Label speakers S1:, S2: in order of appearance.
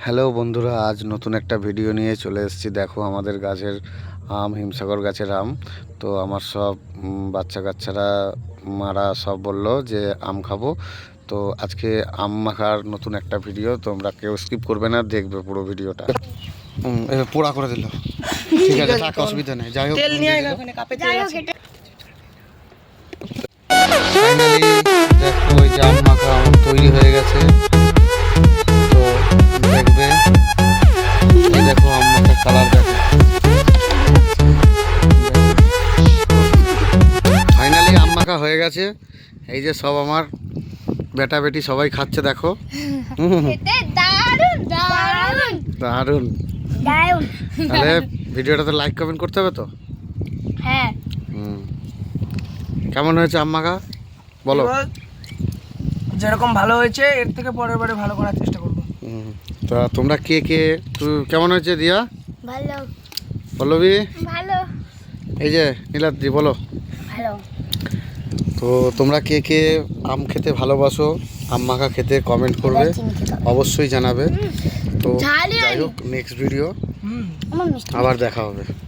S1: Hello বন্ধুরা, আজ নতুন একটা ভিডিও নিয়ে চলে এসেছি। দেখো আমাদের গাছের আম, হিমসাগর গাছের আম। তো আমার সব বাচ্চা কাচ্চারা মারা সব বললো যে আম খাবো। তো আজকে আম মাখার নতুন একটা ভিডিও, তোমরা কেউ স্কিপ করবে না, দেখবে পুরো ভিডিওটা। পোড়া করে দিল, ঠিক আছে, থাক, অসুবিধা নেই। যাই হোক, ফাইনালি দেখো ওই যে আম মাখা তৈরি হয়ে গেছে। তো দেখবে, এই দেখো আম মাখার কালার দেখো। ফাইনালি আম মাখা হয়ে গেছে। এই যে সব আমার বেটা বেটি সবাই খাচ্ছে, দেখো। দারুন। তাহলে ভিডিওটাতে লাইক কমেন্ট করতে হবে তো।
S2: হ্যাঁ।
S1: কেমন হয়েছে আম মাখা বলো?
S3: যেরকম ভালো হয়েছে এর থেকে পরের বারে ভালো করার চেষ্টা করবো।
S1: তা তোমরা কে কে, তুই কেমন হয়েছে দিয়া?
S2: ভালো।
S1: পল্লবী?
S2: ভালো।
S1: এই যে নীলাদ্রি, বলো।
S2: ভালো।
S1: তো তোমরা কে কে আম খেতে ভালোবাসো, আম মাখা খেতে কমেন্ট করবে, অবশ্যই জানাবে। তো যাই হোক, নেক্সট ভিডিও আবার দেখা হবে।